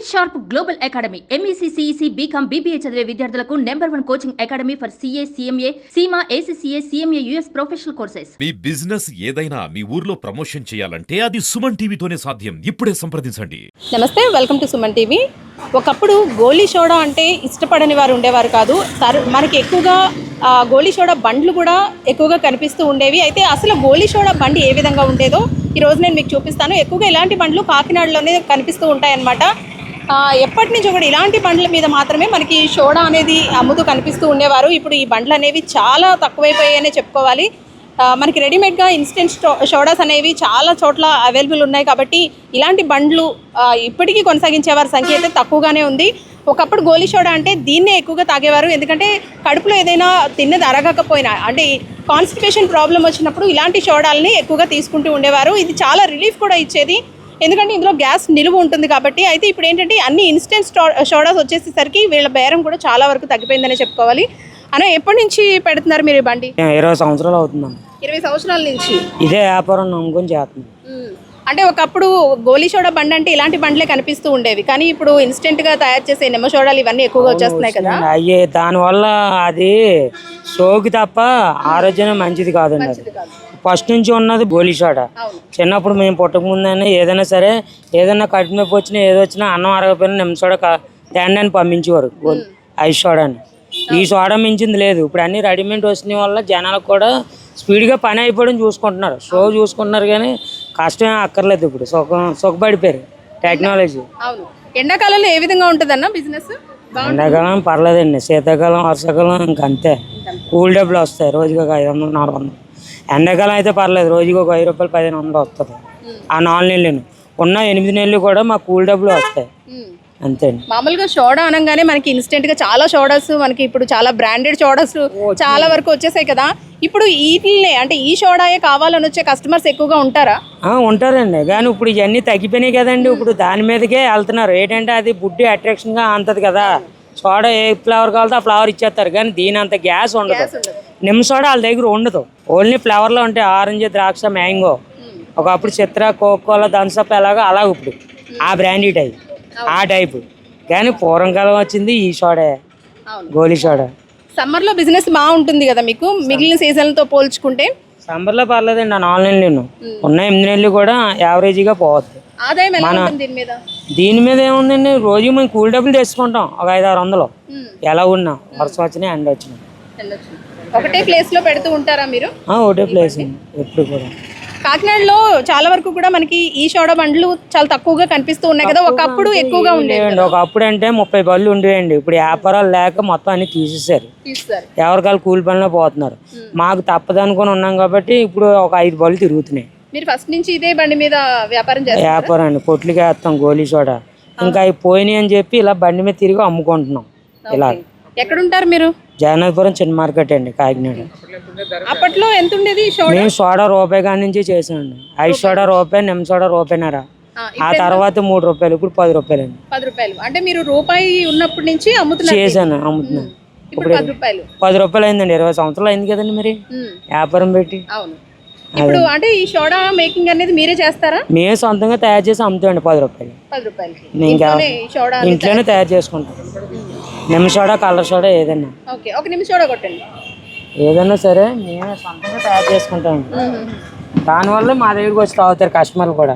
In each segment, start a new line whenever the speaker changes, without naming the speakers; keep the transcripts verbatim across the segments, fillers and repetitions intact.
Sharp global academy MEC CEC BCom BBA చదివే విద్యార్థులకు number one coaching academy for CA CMA CIMA ACCA CMA US professional courses.
మీ business ఏదైనా మీ ఊర్లో promotion చేయాలంటే అది సుమన్ టీవీతోనే సాధ్యం. ఇప్పుడే సంప్రదించండి.
నమస్తే, వెల్కమ్ టు సుమన్ టీవీ. ఒకప్పుడు గోలీ సోడా అంటే ఇష్టపడని వారు ఉండేవారు కాదు. మనకి ఎక్కువగా గోలీ సోడా బండ్లు కూడా ఎక్కువగా కనిపిస్తూ ఉండేవి. అయితే అసలు గోలీ సోడా బండి ఏ విధంగా ఉండేదో ఈరోజు నేను మీకు చూపిస్తాను. ఎక్కువగా ఇలాంటి బండ్లు కాకినాడలోనే కనిపిస్తూ ఉంటాయన్నమాట. ఎప్పటి నుంచో కూడా ఇలాంటి బండ్ల మీద మాత్రమే మనకి సోడా అనేది అమ్ముతూ కనిపిస్తూ ఉండేవారు. ఇప్పుడు ఈ బండ్లు అనేవి చాలా తక్కువైపోయాయనే చెప్పుకోవాలి. మనకి రెడీమేడ్గా ఇన్స్టెంట్ సోడాస్ అనేవి చాలా చోట్ల అవైలబుల్ ఉన్నాయి. కాబట్టి ఇలాంటి బండ్లు ఇప్పటికీ కొనసాగించే వారి సంఖ్య అయితే తక్కువగానే ఉంది. ఒకప్పుడు గోలీ సోడా అంటే దీన్నే ఎక్కువగా తాగేవారు. ఎందుకంటే కడుపులో ఏదైనా తిన్నది అరగకపోయినా, అంటే కాన్స్టిపేషన్ ప్రాబ్లం వచ్చినప్పుడు ఇలాంటి సోడాలని ఎక్కువగా తీసుకుంటూ ఉండేవారు. ఇది చాలా రిలీఫ్ కూడా ఇచ్చేది, ఎందుకంటే ఇందులో గ్యాస్ నిలువ ఉంటుంది కాబట్టి. అయితే ఇప్పుడు ఏంటంటే అన్ని ఇన్స్టెంట్ సోడాస్ వచ్చేసేసరికి వీళ్ళ బేరం కూడా చాలా వరకు తగ్గిపోయిందనే చెప్పుకోవాలి. అన్న, ఎప్పటి నుంచి పెడుతున్నారు మీరు ఈ బండి?
ఇరవై సంవత్సరాలు అవుతుందమ్మా.
ఇరవై సంవత్సరాల నుంచి
ఇదే వ్యాపారం నమ్ముకొని చేస్తున్నాం.
అంటే ఒకప్పుడు గోలీ సోడా బండి అంటే ఇలాంటి బండ్లే కనిపిస్తూ ఉండేవి, కానీ ఇప్పుడు ఇన్స్టెంట్ గా తయారు చేసే నిమ్మ సోడాలు ఇవన్నీ ఎక్కువగా వచ్చేస్తున్నాయి కదా.
అయ్యే దానివల్ల అది సోకి తప్ప ఆరోగ్యం మంచిది కాదండి. అది ఫస్ట్ నుంచి ఉన్నది గోలీ సోడా. చిన్నప్పుడు మేము పుట్టక ముందైనా ఏదైనా సరే ఏదైనా కడుపు నొప్పి వచ్చినా ఏదో వచ్చినా అన్నం అరగపోయినా నిమ్మ సోడా తేండి అని పంపించేవారు, గోలీ ఐస్ సోడాని. ఈ సోడా మించింది లేదు. ఇప్పుడు అన్ని రెడీమేడ్ వచ్చిన వల్ల జనాలకు కూడా స్పీడ్గా పని అయిపోవడం చూసుకుంటున్నారు, షో చూసుకుంటున్నారు, కానీ కష్టమే అక్కర్లేదు. ఇప్పుడు సుఖ సుఖపడిపోయారు టెక్నాలజీ.
అవును. ఎండాకాలంలో ఏ విధంగా ఉంటుందన్న బిజినెస్?
ఎండాకాలం పర్లేదండి, శీతాకాలం వర్షాకాలం ఇంకా అంతే. కూల్ డబ్బులు వస్తాయి, రోజుకి ఒక ఐదు వందలు నాలుగు వందలు. ఎండాకాలం అయితే పర్లేదు, రోజుకి ఒక ఐదు రూపాయలు పదిహేను వందలు వస్తుంది. ఆ నాలుగు నెలలు ఉన్న ఎనిమిది నెలలు కూడా మాకు కూల్ డబ్బులు వస్తాయి అంతే.
మామూలుగా సోడా అనగానే మనకి ఇన్స్టెంట్ గా చాలా సోడాస్, మనకి ఇప్పుడు చాలా బ్రాండెడ్ సోడాస్ చాలా వరకు వచ్చేసాయి కదా. ఇప్పుడు వీటినే అంటే ఈ సోడాయే కావాలని వచ్చే కస్టమర్స్ ఎక్కువగా ఉంటారా?
ఉంటారండి, కానీ ఇప్పుడు ఇవన్నీ తగ్గిపోయినాయి కదండి. ఇప్పుడు దాని మీదకే వెళ్తున్నారు. ఏంటంటే అది బుడ్డి అట్రాక్షన్ గా అంతది కదా. సోడా ఏ ఫ్లేవర్ కావాలో ఆ ఫ్లేవర్ ఇచ్చేస్తారు, కానీ దీని అంత గ్యాస్ ఉండదు. నిమ్మ సోడా వాళ్ళ దగ్గర ఉండదు, ఓన్లీ ఫ్లేవర్ లో ఉంటాయి. ఆరెంజ్, ద్రాక్ష, మ్యాంగో. ఒకప్పుడు చిత్ర, కోకోలా, థమ్సప్ ఎలాగో అలా ఇప్పుడు ఆ బ్రాండీ టైప్ ఆ టైపు. కానీ పూర్వకాలం వచ్చింది ఈ సోడా, గోలీ సోడా.
సమ్మర్ లో బిజినెస్ బాగుంటుంది కదా మీకు మిగిలిన సీజన్లతో పోల్చుకుంటే?
సమ్మర్ లో పర్లేదండి, ఆ నాలుగు నెలలు ఉన్న ఎనిమిది నెలలు కూడా యావరేజీగా పోతుంది.
ఆదాయం ఎలా ఉంటుంది దీని మీద?
దీని మీద ఏముందండి, రోజు మేము కూల్ డబ్బులు తెచ్చుకుంటాం ఒక ఐదు ఆరు వందలు. ఎలా ఉన్నా వర్షం వచ్చినాయి ఎండ వచ్చినాయి.
ఒకటే ప్లేస్ లో పెడుతూ ఉంటారా మీరు?
ఒకటే ప్లేస్ ఎప్పుడు కూడా.
కాకినాడలో చాలా వరకు కూడా మనకి ఈ సోడా బండ్లు చాలా తక్కువగా కనిపిస్తూ ఉన్నాయి కదా. ఒకప్పుడు ఎక్కువగా ఉండేవి.
ఒకప్పుడు అంటే ముప్పై బళ్ళు ఉండేవండి. ఇప్పుడు వ్యాపారాలు లేక మొత్తం అన్ని తీసేసారు. ఎవరికాలు కూలి పనిలో పోతున్నారు. మాకు తప్పదు అనుకుని ఉన్నాం కాబట్టి ఇప్పుడు ఒక ఐదు బళ్ళు తిరుగుతున్నాయి.
మీరు ఫస్ట్ నుంచి ఇదే బండి మీద వ్యాపారం చేస్తారు?
వ్యాపారం అండి, పొట్లకి వేస్తాం గోలీ సోడా. ఇంకా అవి పోయినాయి అని చెప్పి ఇలా బండి మీద తిరిగి అమ్ముకుంటున్నాం. ఇలా
ఎక్కడుంటారు మీరు?
జగన్నాథపురం చిన్న మార్కెట్ అండి, కాకినాడ.
అప్పట్లో ఎంత ఉండేది?
మేము సోడా రూపాయి కాడి నుంచి చేసామండి. ఐదు సోడా రూపాయి, నిమ్మ సోడా రూపాయినారా. ఆ తర్వాత మూడు రూపాయలు, ఇప్పుడు పది రూపాయలు అండి.
పది రూపాయలు అంటే మీరు రూపాయి ఉన్నప్పటి నుంచి అమ్ముతున్నారు?
చేశాను, అమ్ముతున్నాను. ఇప్పుడు పది రూపాయలు అయిందండి. ఇరవై సంవత్సరాలు అయింది కదండి మరి వ్యాపారం పెట్టి.
అవును. ఇప్పుడు అంటే ఈ సోడా మేకింగ్ అనేది మీరే చేస్తారా?
మేమే సొంతంగా తయారు చేసి అమ్ముతామండి. పది రూపాయలు
పది రూపాయలు
ఇంట్లోనే తయారు చేసుకుంటాం. నిమ్మ సోడా, కలర్ సోడా ఏదైనా.
ఓకే, ఒక నిమ్మ సోడా కొట్టండి.
ఏదైనా సరే మేమే సొంతంగా తయారు చేసుకుంటాం. దానివల్ల మా దగ్గరికి వచ్చి తాగుతారు కస్టమర్లు కూడా.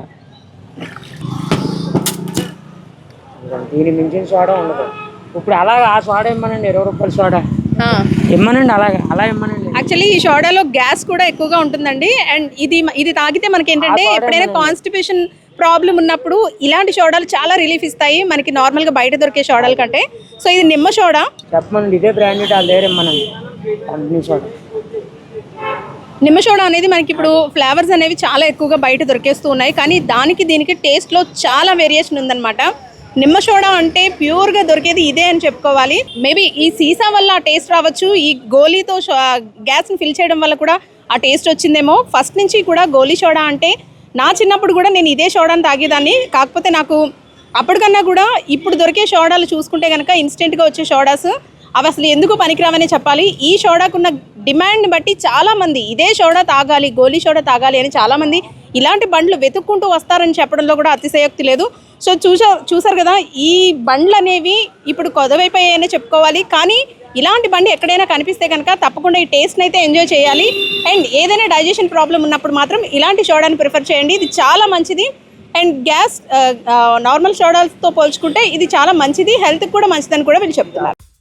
దీని మించిన సోడా ఉండదు. ఇప్పుడు అలాగే ఆ సోడా ఇమ్మనండి, ఇరవై రూపాయల సోడా ఇమ్మనండి, అలాగే అలా ఇమ్మనండి.
యాక్చువల్లీ ఈ సోడాలో గ్యాస్ కూడా ఎక్కువగా ఉంటుందండి. అండ్ ఇది ఇది తాగితే మనకి ఏంటంటే ఎప్పుడైనా కాన్స్టిపేషన్ ప్రాబ్లం ఉన్నప్పుడు ఇలాంటి సోడాలు చాలా రిలీఫ్ ఇస్తాయి మనకి నార్మల్గా బయట దొరికే సోడాల కంటే. సో ఇది నిమ్మ సోడా
చెప్పమనండి, ఇదే బ్రాండెడ్ వాళ్ళ దగ్గర ఇమ్మనండి. సోడా
నిమ్మ సోడా అనేది మనకి ఇప్పుడు ఫ్లేవర్స్ అనేవి చాలా ఎక్కువగా బయట దొరికేస్తూ ఉన్నాయి, కానీ దానికి దీనికి టేస్ట్లో చాలా వేరియేషన్ ఉందన్నమాట. నిమ్మ సోడా అంటే ప్యూర్గా దొరికేది ఇదే అని చెప్పుకోవాలి. మేబీ ఈ సీసా వల్ల ఆ టేస్ట్ రావచ్చు, ఈ గోలీతో గ్యాస్ని ఫిల్ చేయడం వల్ల కూడా ఆ టేస్ట్ వచ్చిందేమో. ఫస్ట్ నుంచి కూడా గోలీ సోడా అంటే నా చిన్నప్పుడు కూడా నేను ఇదే సోడాని తాగేదాన్ని. కాకపోతే నాకు అప్పటికన్నా కూడా ఇప్పుడు దొరికే సోడాలు చూసుకుంటే కనుక ఇన్స్టెంట్గా వచ్చే సోడాస్ అవి అసలు ఎందుకు పనికిరావనే చెప్పాలి. ఈ సోడాకున్న డిమాండ్ బట్టి చాలామంది ఇదే సోడా తాగాలి, గోలీ సోడా తాగాలి అని చాలామంది ఇలాంటి బండ్లు వెతుక్కుంటూ వస్తారని చెప్పడంలో కూడా అతిశయోక్తి లేదు. సో చూసా చూసారు కదా, ఈ బండ్లు అనేవి ఇప్పుడు కొదవైపోయాయనే చెప్పుకోవాలి. కానీ ఇలాంటి బండి ఎక్కడైనా కనిపిస్తే కనుక తప్పకుండా ఈ టేస్ట్ని అయితే ఎంజాయ్ చేయాలి. అండ్ ఏదైనా డైజెషన్ ప్రాబ్లం ఉన్నప్పుడు మాత్రం ఇలాంటి సోడాని ప్రిఫర్ చేయండి. ఇది చాలా మంచిది. అండ్ గ్యాస్ నార్మల్ సోడాలతో పోల్చుకుంటే ఇది చాలా మంచిది, హెల్త్కి కూడా మంచిదని కూడా వీళ్ళు చెప్తున్నారు.